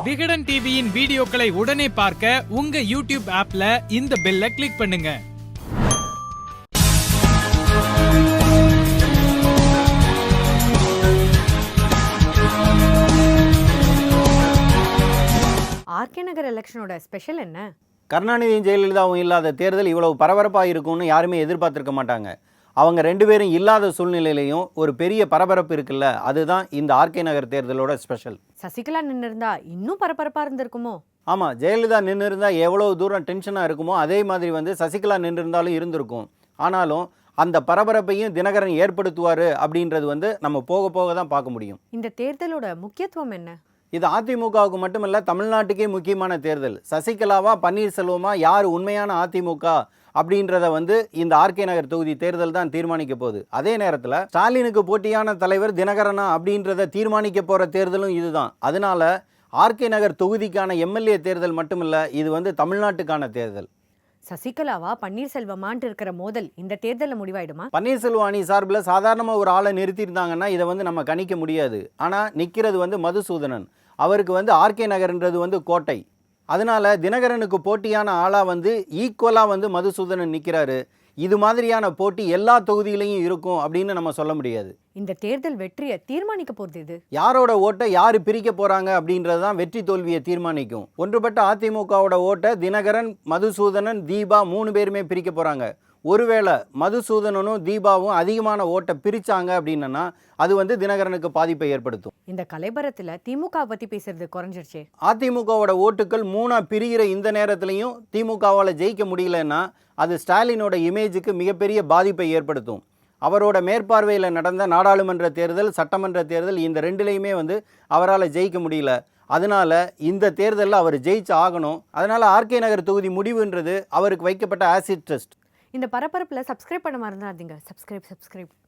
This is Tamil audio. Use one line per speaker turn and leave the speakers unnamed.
விகடன் டிவியின் வீடியோக்களை உடனே பார்க்க உங்க யூடியூப் ஆப்ல இந்த பெல்லை கிளிக் பண்ணுங்க.
ஆர்கே நகர் எலெக்ஷனோட ஸ்பெஷல் என்ன?
கருணாநிதியும் ஜெயலலிதாவும் இல்லாத தேர்தல் இவ்வளவு பரபரப்பாக இருக்கும்னு யாருமே எதிர்பார்த்திருக்க மாட்டாங்க. அவங்க ரெண்டு பேரும் இல்லாத சூழ்நிலையிலையும் ஒரு பெரிய பரபரப்பு இருக்குல்ல, அதுதான் இந்த ஆர்கே நகர் தேர்தலோட ஸ்பெஷல்.
சசிகலா நின்று இருந்தா இன்னும் பரபரப்பா இருந்திருக்குமோ?
ஆமாம், ஜெயலலிதா நின்று இருந்தால் எவ்வளோ தூரம் டென்ஷனாக இருக்குமோ அதே மாதிரி சசிகலா நின்று இருந்தாலும் இருந்திருக்கும். ஆனாலும் அந்த பரபரப்பையும் தினகரன் ஏற்படுத்துவார் அப்படின்றது நம்ம போக போக தான் பார்க்க முடியும்.
இந்த தேர்தலோட முக்கியத்துவம் என்ன?
இது அதிமுகவுக்கு மட்டுமல்ல, தமிழ்நாட்டுக்கே முக்கியமான தேர்தல். சசிகலாவா பன்னீர்செல்வமா யார் உண்மையான அதிமுக அப்படின்றத இந்த ஆர்கே நகர் தொகுதி தேர்தல் தான் தீர்மானிக்க போகுது. அதே நேரத்தில் ஸ்டாலினுக்கு போட்டியான தலைவர் தினகரனா அப்படின்றத தீர்மானிக்க போகிற தேர்தலும் இதுதான். அதனால ஆர்கே நகர் தொகுதிக்கான எம்எல்ஏ தேர்தல் மட்டுமில்ல, இது தமிழ்நாட்டுக்கான தேர்தல்.
சசிகலாவா பன்னீர்செல்வமான்ட்டு இருக்கிற மோதல் இந்த தேர்தலில் முடிவாயிடுமா?
பன்னீர்செல்வம் அணி சார்பில் சாதாரணமாக ஒரு ஆளை நிறுத்தியிருந்தாங்கன்னா இதை நம்ம கணிக்க முடியாது. ஆனால் நிற்கிறது மதுசூதனன். அவருக்கு ஆர்கே நகர்ன்றது கோட்டை. அதனால தினகரனுக்கு போட்டியான ஆளாக ஈக்குவலாக மதுசூதனன் நிற்கிறாரு. இது மாதிரியான போட்டி எல்லா தொகுதியிலையும் இருக்கும் அப்படின்னு நம்ம சொல்ல முடியாது.
இந்த தேர்தல் வெற்றியை தீர்மானிக்க போகிறது இது.
யாரோட ஓட்டை யார் பிரிக்க போகிறாங்க அப்படின்றது தான் வெற்றி தோல்வியை தீர்மானிக்கும். ஒன்றுபட்ட அதிமுகவோட ஓட்டை தினகரன், மதுசூதனன், தீபா 3 பேருமே பிரிக்க போகிறாங்க. ஒருவேளை மதுசூதனனும் தீபாவும் அதிகமான ஓட்டை பிரித்தாங்க அப்படின்னா அது தினகரனுக்கு பாதிப்பை ஏற்படுத்தும்.
இந்த கலைபரத்தில் திமுக பற்றி பேசுறது குறைஞ்சிருச்சு.
அதிமுகவோட ஓட்டுகள் 3 பிரிகிற இந்த நேரத்துலையும் திமுகவால் ஜெயிக்க முடியலன்னா அது ஸ்டாலினோட இமேஜுக்கு மிகப்பெரிய பாதிப்பை ஏற்படுத்தும். அவரோட மேற்பார்வையில் நடந்த நாடாளுமன்ற தேர்தல், சட்டமன்ற தேர்தல், இந்த ரெண்டுலேயுமே அவரால் ஜெயிக்க முடியல. அதனால இந்த தேர்தலில் அவர் ஜெயிச்சு ஆகணும். அதனால ஆர்கே நகர் தொகுதி முடிவுன்றது அவருக்கு வைக்கப்பட்ட ஆசிட் டெஸ்ட்.
இந்த பரபரப்பில் சப்ஸ்கிரைப் பண்ண மறந்துடாதீங்க. சப்ஸ்கிரைப்.